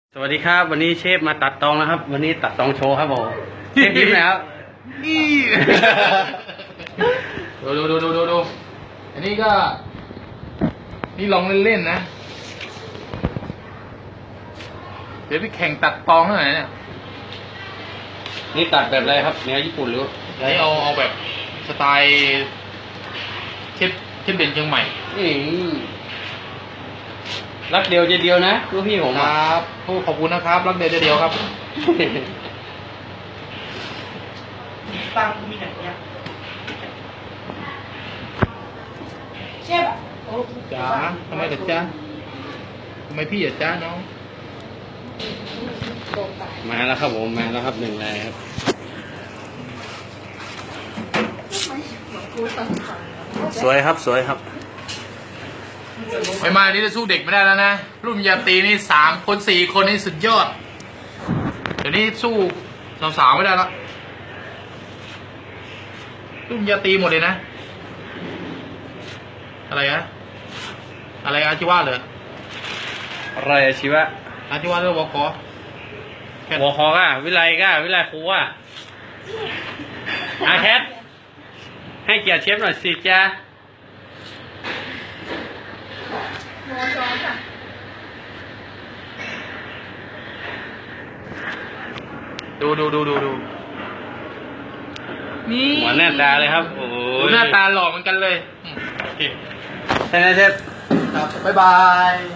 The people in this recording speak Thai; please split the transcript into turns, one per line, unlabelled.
สวัสดีครับวันนี้เชฟมาตัดตองนะครับวันนี้ตัดตองโชว์ครับผมเชฟยิ้มแล้ว
ดูอันนี้ก็นี่ลองเล่นๆนะเดี๋ยวไปแข่งตัดตองเท่าไหร่เนี่ย
นี่ตัดแบบอะไรครับแนวญี่ปุ่นหรือ
นี่เอาแบบสไตล์เชฟเด่นเชียงใหม่
นี่รักเดียวใจเดียวนะลูกพี่ผม
ครับขอบคุณนะครับรักเดียวใจเดียวครับ
ตังมีไหนเนี่ยเชฟอ่ะโอ้
จ๋าทำไมเหรอจ๊ะทำไมพี่เหรอจ๊ะน้อง
มาแล้วครับผมมาแล้วครับหนึ่งแรงครับ สวยครับสวยครับ
ไม่มานี่จะสู้เด็กไม่ได้แล้วนะรุ่นยาตรีนี่3 คน 4 คนนี่สุดยอดเดี๋ยวนี้สู้สาวๆไม่ได้แล้วรุ่นยาตรีหมดเลยนะอะไรอาชีวะเหรอ
อะไรอะชีวะ
อาชีวะเรื่องวค
หัวคอก้าวิไลครูอ่ะอาแคทให้เกียรติเชฟหน่อยสิจ้า
ดูนี่
หัวหน้าตาเลยครับโอ้
ดู
ย
หน้าตาหล่อเหมือนกันเลยโอเค
ใช่ไหมเชฟ
ครับบ๊ายบาย